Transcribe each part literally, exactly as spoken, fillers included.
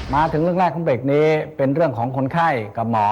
มาถึงเรื่องแรกของเบรกนี้เป็นเรื่องของคนไข้กับหมอ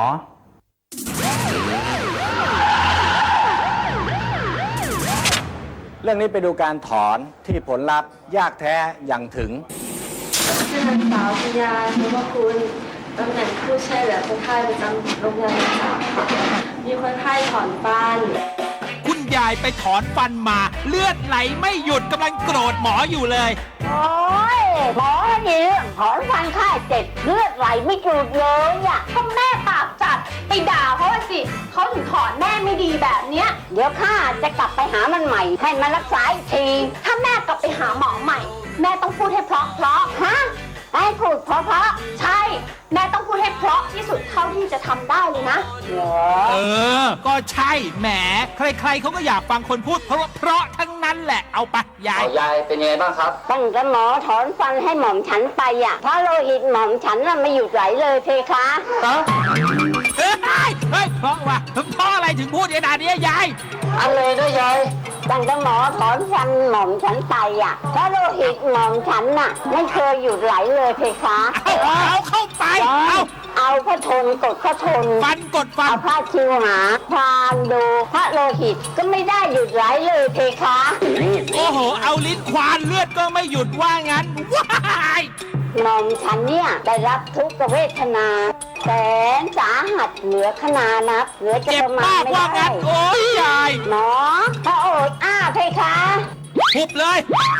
เรื่องนี้ไปดูการถอนที่ผลลัพธ์ยากแท้อย่างถึงชื่อนางสาวพิยานุวคุณตำแหน่งผู้ช่วยเหลือคนไข้ประจำโรงพยาบาลสามค่ะมีคนไข้ถอนฟันคุณยายไปถอนฟันมาเลือดไหลไม่หยุดกำลังโกรธหมออยู่เลยโอ้ยหมอนี่เรื่องถอนฟันค่ายเจ็บเลือดไหลไม่หยุดเลยอ่ะก็แม่ปากจัดไปด่าเขาสิเขาถึงถอนแม่ไม่ดีแบบเนี้ยเดี๋ยวข้าจะกลับไปหามันใหม่ให้มันรักษาอีกทีถ้าแม่กลับไปหาหมอใหม่แม่ต้องพูดให้เพราะเพราะฮะให้พูดเพราะเพราะใช่แม่ต้องพูดให้เพราะที่สุดเท่าที่จะทำได้เลยนะเออก็ใช่แหมใครๆเขาก็อยากฟังคนพูดเพราะเพราะทั้งนั้นแหละเอาไปยายยายเป็นยังไงบ้างครับตั้งแต่หมอถอนฟันให้หม่อมฉันไปอ่ะเพราะโลหิตหม่อมฉันน่ะไม่หยุดไหลเลยเพคะฮะเฮ้ยเฮ้ยเพราะว่าเพราะอะไรถึงพูดขนาดนี้ยายอะไรนะยายตั้งแต่หมอถอนฟันหม่อมฉันไปอ่ะเพราะโลหิตหม่อมฉันน่ะไม่เคยหยุดไหลเลยเพคะเอาเอาเข้าไปเอาเอาพระทนกดพระทนฟันกดฟันเอาผ้าคิวหาความดูพระโลหิตก็ไม่ได้หยุดไหลเลยเพคะโอ้โหเอาลิ้นควานเลือดก็ไม่หยุดว่างั้นว้ายหม่อมฉันเนี่ยได้รับทุกขเวทนาแสนสาหัสเหลือขนานับเหลือจะประมาณไม่ได้โอ้ยยายหมอพระโอษอ้าเพคะหุบเลย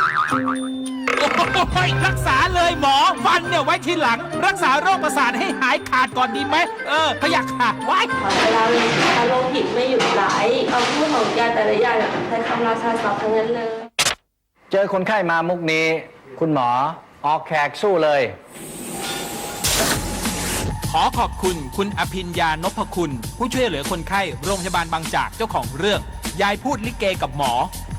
โอ้ยรักษาเลยหมอฟันเนี่ยไว้ทีหลังรักษาโรคประสาทให้หายขาดก่อนดีไหมเออพยักขาดไว้เวลาโลหิตไม่หยุดไหลคำพูดของยาแต่ละอย่างใช้คำราชาศัพท์ทั้งนั้นเลยเจอคนไข้มามุกนี้คุณหมอออกแขกสู้เลยขอขอบคุณคุณอภิญญานพคุณผู้ช่วยเหลือคนไข้โรงพยาบาลบางจากเจ้าของเรื่องยายพูดลิเกกับหมอ